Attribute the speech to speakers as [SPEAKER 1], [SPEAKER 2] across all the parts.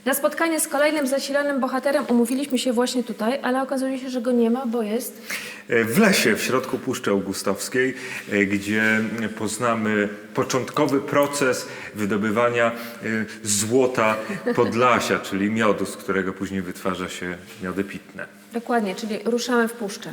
[SPEAKER 1] Na spotkanie z kolejnym zasilanym bohaterem umówiliśmy się właśnie tutaj, ale okazuje się, że go nie ma, bo jest...
[SPEAKER 2] W lesie, w środku Puszczy Augustowskiej, gdzie poznamy początkowy proces wydobywania złota Podlasia, czyli miodu, z którego później wytwarza się miody pitne.
[SPEAKER 1] Dokładnie, czyli ruszamy w puszczę.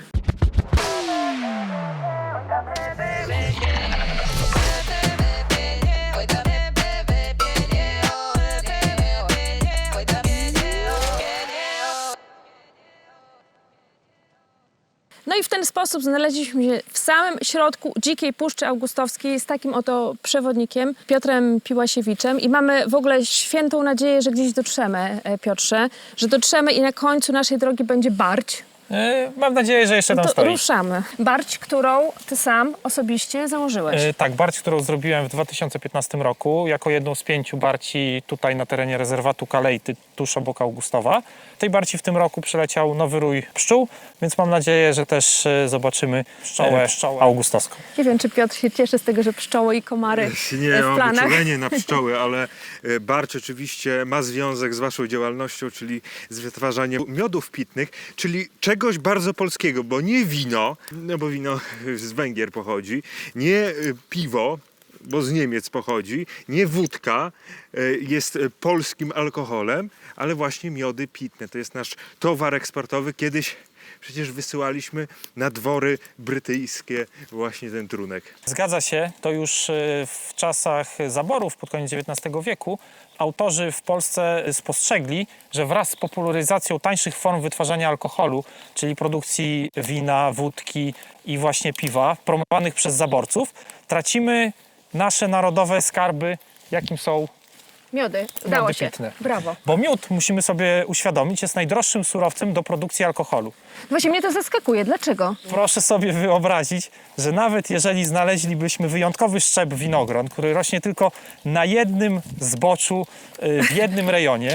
[SPEAKER 1] No i w ten sposób znaleźliśmy się w samym środku dzikiej Puszczy Augustowskiej z takim oto przewodnikiem, Piotrem Piłasiewiczem. I mamy w ogóle świętą nadzieję, że gdzieś dotrzemy, Piotrze, że dotrzemy i na końcu naszej drogi będzie Barć.
[SPEAKER 3] Mam nadzieję, że jeszcze tam
[SPEAKER 1] To
[SPEAKER 3] stoi.
[SPEAKER 1] ruszamy. Barć, którą ty sam osobiście założyłeś.
[SPEAKER 3] Tak, barć, którą zrobiłem w 2015 roku, jako jedną z 5 barci tutaj na terenie rezerwatu Kalejty, tuż obok Augustowa. Tej barci w tym roku przyleciał nowy rój pszczół, więc mam nadzieję, że też zobaczymy pszczołę augustowską.
[SPEAKER 1] Nie wiem, czy Piotr się cieszy z tego, że pszczoły i komary
[SPEAKER 2] Nie
[SPEAKER 1] w
[SPEAKER 2] mam
[SPEAKER 1] planach.
[SPEAKER 2] uczulenie na pszczoły, ale barcz oczywiście ma związek z waszą działalnością, czyli z wytwarzaniem miodów pitnych, czyli czegoś bardzo polskiego, bo nie wino, no bo wino z Węgier pochodzi, nie piwo, bo z Niemiec pochodzi, nie wódka jest polskim alkoholem, ale właśnie miody pitne. To jest nasz towar eksportowy. Kiedyś przecież wysyłaliśmy na dwory brytyjskie właśnie ten trunek.
[SPEAKER 3] Zgadza się, to już w czasach zaborów pod koniec XIX wieku autorzy w Polsce spostrzegli, że wraz z popularyzacją tańszych form wytwarzania alkoholu, czyli produkcji wina, wódki i właśnie piwa, promowanych przez zaborców, tracimy nasze narodowe skarby, jakim są
[SPEAKER 1] Miody. Udało
[SPEAKER 3] miody
[SPEAKER 1] się.
[SPEAKER 3] pitne.
[SPEAKER 1] Brawo.
[SPEAKER 3] Bo miód, musimy sobie uświadomić, jest najdroższym surowcem do produkcji alkoholu.
[SPEAKER 1] Właśnie mnie to zaskakuje. Dlaczego?
[SPEAKER 3] Proszę sobie wyobrazić, że nawet jeżeli znaleźlibyśmy wyjątkowy szczep winogron, który rośnie tylko na jednym zboczu, w jednym rejonie,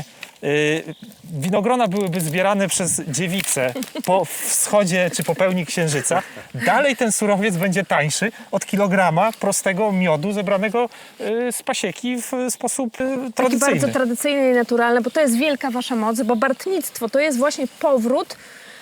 [SPEAKER 3] winogrona byłyby zbierane przez dziewice po wschodzie czy po pełni księżyca, dalej ten surowiec będzie tańszy od kilograma prostego miodu zebranego z pasieki w sposób
[SPEAKER 1] Taki
[SPEAKER 3] tradycyjny.
[SPEAKER 1] bardzo tradycyjny i naturalny, bo to jest wielka wasza moc, bo bartnictwo to jest właśnie powrót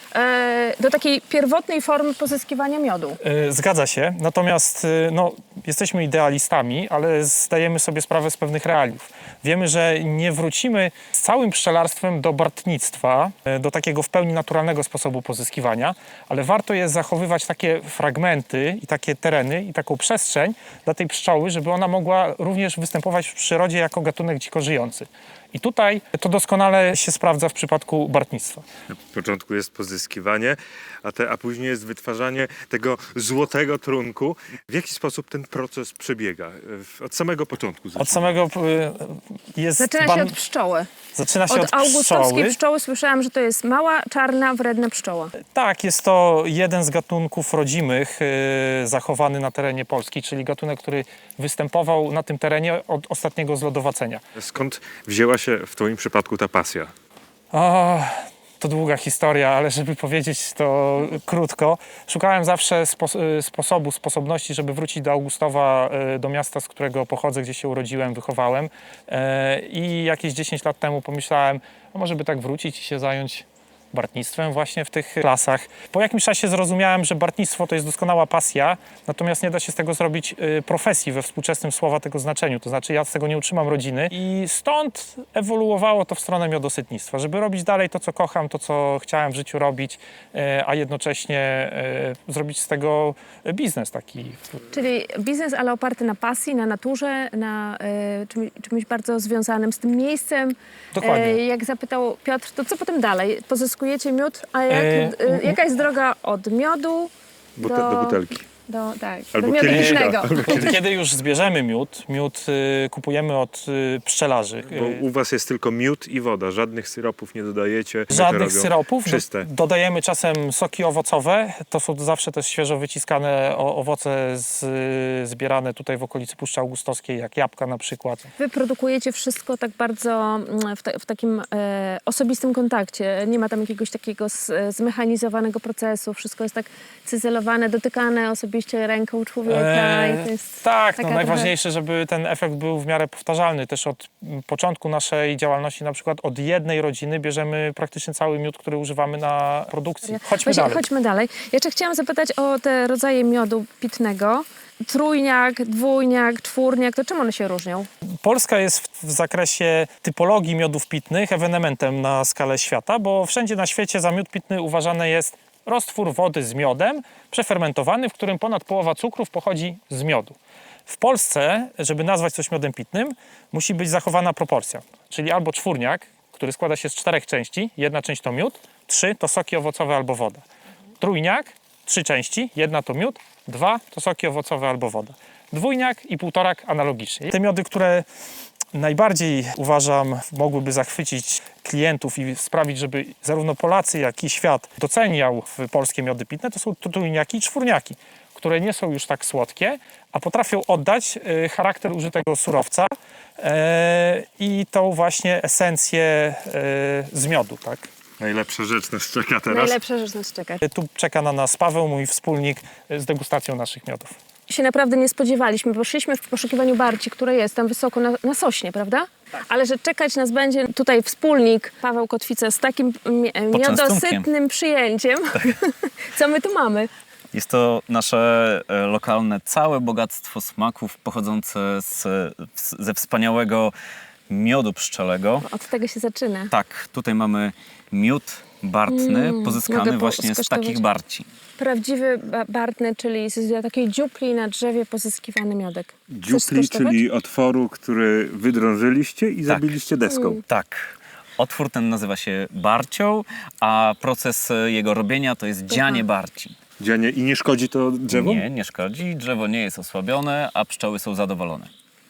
[SPEAKER 1] do takiej pierwotnej formy pozyskiwania miodu.
[SPEAKER 3] Zgadza się, natomiast no, jesteśmy idealistami, ale zdajemy sobie sprawę z pewnych realiów. Wiemy, że nie wrócimy z całym pszczelarstwem do bartnictwa, do takiego w pełni naturalnego sposobu pozyskiwania, ale warto jest zachowywać takie fragmenty i takie tereny i taką przestrzeń dla tej pszczoły, żeby ona mogła również występować w przyrodzie jako gatunek dziko żyjący. I tutaj to doskonale się sprawdza w przypadku bartnictwa.
[SPEAKER 2] Na początku jest pozyskiwanie, a później jest wytwarzanie tego złotego trunku. W jaki sposób ten proces przebiega? Od samego początku.
[SPEAKER 3] Od samego jest...
[SPEAKER 1] Zaczyna się od pszczoły.
[SPEAKER 3] Zaczyna się
[SPEAKER 1] Od
[SPEAKER 3] od
[SPEAKER 1] augustowskiej
[SPEAKER 3] pszczoły.
[SPEAKER 1] pszczoły słyszałam, że to jest mała, czarna, wredna pszczoła.
[SPEAKER 3] Tak, jest to jeden z gatunków rodzimych zachowany na terenie Polski, czyli gatunek, który występował na tym terenie od ostatniego zlodowacenia.
[SPEAKER 2] Skąd wzięła się w twoim przypadku ta pasja?
[SPEAKER 3] O, to długa historia, ale żeby powiedzieć to krótko, szukałem zawsze sposobności, żeby wrócić do Augustowa, do miasta, z którego pochodzę, gdzie się urodziłem, wychowałem. I jakieś 10 lat temu pomyślałem, no może by tak wrócić i się zająć bartnictwem właśnie w tych lasach. Po jakimś czasie zrozumiałem, że bartnictwo to jest doskonała pasja, natomiast nie da się z tego zrobić profesji we współczesnym słowa tego znaczeniu. To znaczy ja z tego nie utrzymam rodziny i stąd ewoluowało to w stronę miodosytnictwa, żeby robić dalej to, co kocham, to, co chciałem w życiu robić, a jednocześnie zrobić z tego biznes taki.
[SPEAKER 1] Czyli biznes, ale oparty na pasji, na naturze, na czymś bardzo związanym z tym miejscem.
[SPEAKER 3] Dokładnie.
[SPEAKER 1] Jak zapytał Piotr, to co potem dalej? Pozyskujecie miód, a jaka jest droga od miodu
[SPEAKER 2] Do butelki.
[SPEAKER 1] tak,
[SPEAKER 2] Albo
[SPEAKER 1] do miodu
[SPEAKER 2] kieliszka.
[SPEAKER 1] pitnego?
[SPEAKER 3] Kiedy już zbierzemy miód kupujemy od pszczelarzy.
[SPEAKER 2] Bo u was jest tylko miód i woda, żadnych syropów nie dodajecie.
[SPEAKER 3] Żadnych syropów.
[SPEAKER 2] Czyste.
[SPEAKER 3] Dodajemy czasem soki owocowe. To są zawsze też świeżo wyciskane owoce zbierane tutaj w okolicy Puszczy Augustowskiej, jak jabłka na przykład.
[SPEAKER 1] Wy produkujecie wszystko tak bardzo w takim osobistym kontakcie. Nie ma tam jakiegoś takiego zmechanizowanego procesu. Wszystko jest tak cyzelowane, dotykane osobiście. zrobiliście ręką człowieka i to jest
[SPEAKER 3] Tak,
[SPEAKER 1] taka
[SPEAKER 3] najważniejsze, żeby ten efekt był w miarę powtarzalny. Też od początku naszej działalności, na przykład od jednej rodziny bierzemy praktycznie cały miód, który używamy na produkcji. Chodźmy dalej.
[SPEAKER 1] Chodźmy dalej. Jeszcze chciałam zapytać o te rodzaje miodu pitnego. Trójniak, dwójniak, czwórniak, to czym one się różnią?
[SPEAKER 3] Polska jest w zakresie typologii miodów pitnych ewenementem na skalę świata, bo wszędzie na świecie za miód pitny uważany jest roztwór wody z miodem, przefermentowany, w którym ponad połowa cukrów pochodzi z miodu. W Polsce, żeby nazwać coś miodem pitnym, musi być zachowana proporcja, czyli albo czwórniak, który składa się z 4 części, jedna część to miód, 3 to soki owocowe albo woda. Trójniak, 3 części, jedna to miód, 2 to soki owocowe albo woda. Dwójniak i półtorak analogicznie. Te miody, które najbardziej uważam mogłyby zachwycić klientów i sprawić, żeby zarówno Polacy, jak i świat doceniał polskie miody pitne, to są trójniaki i czwórniaki, które nie są już tak słodkie, a potrafią oddać charakter użytego surowca i tą właśnie esencję z miodu, tak?
[SPEAKER 2] Najlepsza rzecz nas czeka teraz.
[SPEAKER 1] Najlepsza rzecz nas czeka.
[SPEAKER 3] Tu czeka na nas Paweł, mój wspólnik, z degustacją naszych miodów.
[SPEAKER 1] Się naprawdę nie spodziewaliśmy, bo szliśmy w poszukiwaniu barci, które jest tam wysoko na Sośnie, prawda? Tak. Ale że czekać nas będzie tutaj wspólnik Paweł Kotwica z takim miodosytnym przyjęciem. Tak. Co my tu mamy?
[SPEAKER 4] Jest to nasze lokalne całe bogactwo smaków pochodzące ze wspaniałego miodu pszczelego.
[SPEAKER 1] Od tego się zaczyna.
[SPEAKER 4] Tak, tutaj mamy miód bartny pozyskany
[SPEAKER 1] mogę
[SPEAKER 4] właśnie z
[SPEAKER 1] skosztować?
[SPEAKER 4] takich barci.
[SPEAKER 1] Prawdziwy bartny, czyli z takiej dziupli na drzewie pozyskiwany miodek. Chcesz
[SPEAKER 2] Dziupli,
[SPEAKER 1] skosztować?
[SPEAKER 2] czyli otworu, który wydrążyliście i zabiliście deską.
[SPEAKER 4] Tak. Otwór ten nazywa się barcią, a proces jego robienia to jest dzianie barci.
[SPEAKER 2] Dzianie. I nie szkodzi to drzewu?
[SPEAKER 4] Nie, nie szkodzi. Drzewo nie jest osłabione, a pszczoły są zadowolone.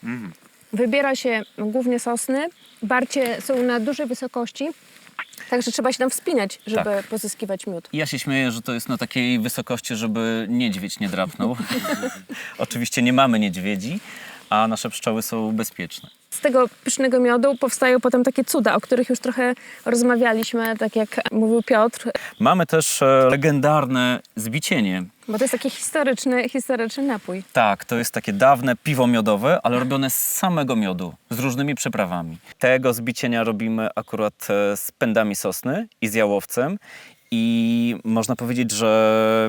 [SPEAKER 1] Wybiera się głównie sosny. Barcie są na dużej wysokości, także trzeba się tam wspinać, żeby pozyskiwać miód.
[SPEAKER 4] Ja się śmieję, że to jest na takiej wysokości, żeby niedźwiedź nie drapnął. Oczywiście nie mamy niedźwiedzi, a nasze pszczoły są bezpieczne.
[SPEAKER 1] Z tego pysznego miodu powstają potem takie cuda, o których już trochę rozmawialiśmy, tak jak mówił Piotr,
[SPEAKER 4] Mamy też legendarne zbicienie.
[SPEAKER 1] bo to jest taki historyczny napój.
[SPEAKER 4] Tak, to jest takie dawne piwo miodowe, ale robione z samego miodu, z różnymi przyprawami. Tego zbicienia robimy akurat z pędami sosny i z jałowcem. I można powiedzieć, że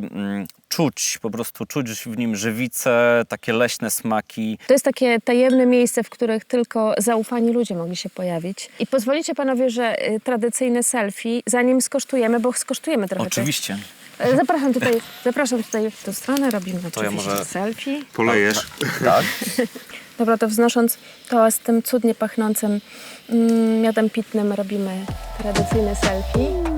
[SPEAKER 4] po prostu czuć w nim żywicę, takie leśne smaki.
[SPEAKER 1] To jest takie tajemne miejsce, w których tylko zaufani ludzie mogli się pojawić. I pozwolicie panowie, że tradycyjne selfie, zanim skosztujemy, bo skosztujemy trochę.
[SPEAKER 4] Oczywiście.
[SPEAKER 1] Zapraszam tutaj w tę stronę, robimy
[SPEAKER 4] ja
[SPEAKER 1] oczywiście
[SPEAKER 4] może-
[SPEAKER 1] selfie.
[SPEAKER 2] Polejesz.
[SPEAKER 4] Tak.
[SPEAKER 1] Dobra, to wznosząc to z tym cudnie pachnącym miodem pitnym robimy tradycyjne selfie.